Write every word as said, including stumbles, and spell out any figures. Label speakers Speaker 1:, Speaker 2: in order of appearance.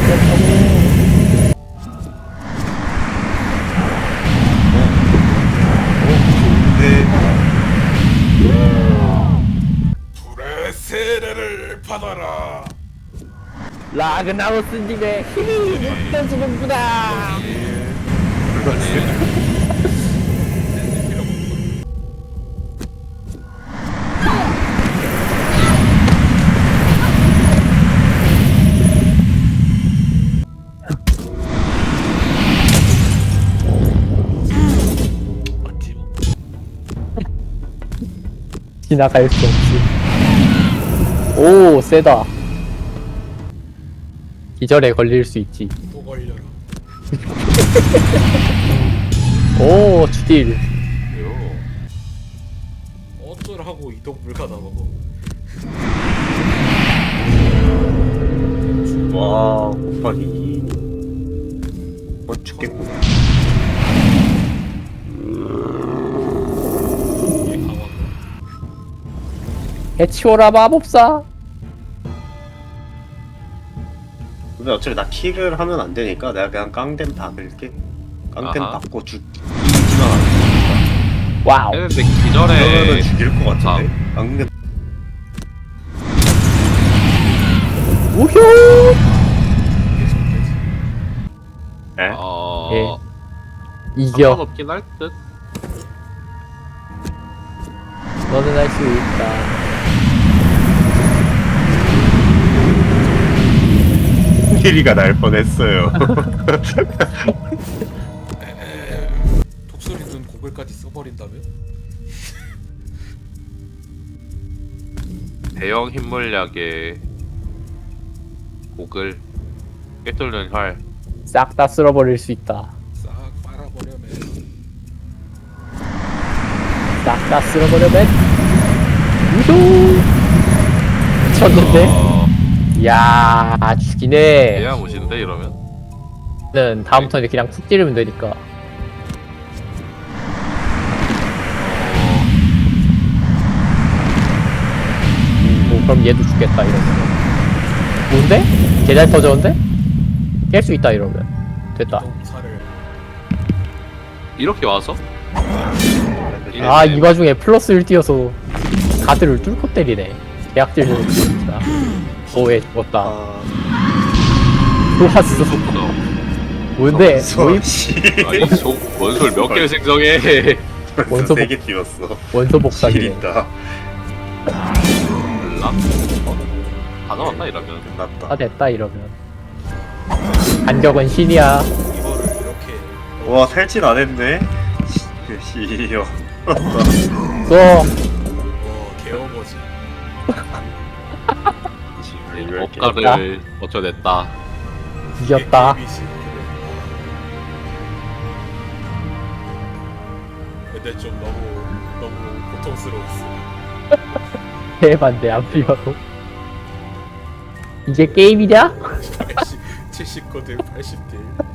Speaker 1: 불의 세례를 받아라.
Speaker 2: 라그나로스님의 힘이 느껴지는구나. 지나갈 수 없지. 오, 세다. 기절에 걸릴 수 있지.
Speaker 1: 또 걸려라.
Speaker 2: 오, 주딜.
Speaker 1: 어쩌라고 이동 불가능하고.
Speaker 3: 와, 곱하기 어, 죽겠구나.
Speaker 1: 이게 강화가.
Speaker 2: 해치워라 마법사.
Speaker 3: 근데 어차피 나 킬을 하면 안 되니까 내가 그냥 깡댐 박을게. 깡댐
Speaker 4: 아하.
Speaker 3: 박고 죽기만 하면 되니까.
Speaker 2: 와우.
Speaker 4: 근데
Speaker 3: 그러면은
Speaker 4: 기절에
Speaker 3: 죽일 것 같은데? 깡댐.
Speaker 2: 우효.
Speaker 1: 계속되지.
Speaker 3: 에?
Speaker 4: 어
Speaker 2: 예. 이겨.
Speaker 4: 상관없긴 할 듯.
Speaker 2: 너는 할 수 있다.
Speaker 3: 킬이가 날 뻔했어요.
Speaker 1: 독수리는 고글까지 써버린다면?
Speaker 4: 대형 힘물약에 고글 꿰뚫는 활.
Speaker 2: 싹 다 쓸어버릴 수 있다.
Speaker 1: 싹 빨아버려면.
Speaker 2: 싹 다 쓸어버려면. 우효. 미쳤는데?
Speaker 4: 어,
Speaker 2: 이야, 죽이네.
Speaker 4: 대야 무신데 이러면.
Speaker 2: 는 다음 턴에 그냥 쿡 찌르면 되니까. 오, 그럼 얘도 죽겠다 이러면. 뭔데? 개잘 터졌는데? 깰 수 있다 이러면. 됐다.
Speaker 1: 이동사를.
Speaker 4: 이렇게 와서?
Speaker 2: 아, 이 와중에 플러스 일 뛰어서 가드를 뚫고 때리네. 계약질 좀 진짜. 오해 죽었다.
Speaker 3: 아,
Speaker 2: 좋았어. 뭔데?
Speaker 3: 서
Speaker 2: 모임?
Speaker 3: 씨.
Speaker 4: 아니 저 원소를 몇 개를 생성해.
Speaker 2: 원소
Speaker 3: 세개 띄웠어.
Speaker 2: 원소 복사기네.
Speaker 3: 킬이다.
Speaker 4: 몰라? 어? 다 나왔나 이러면.
Speaker 2: 다
Speaker 3: 끝났다.
Speaker 2: 됐다 이러면. 간격은 신이야.
Speaker 1: 이거를 이렇게.
Speaker 3: 와, 탈진 안 했네. 씨, 씨요.
Speaker 2: 또
Speaker 1: 와, 개어버지.
Speaker 4: 억가를 버텨냈다.
Speaker 2: 이겼다.
Speaker 1: 게임이지. 근데 좀 너무 너무 고통스러웠어.
Speaker 2: 대반대 안 비워도. 이게 게임이냐?
Speaker 1: 팔십, 칠십 코드 팔십 딜.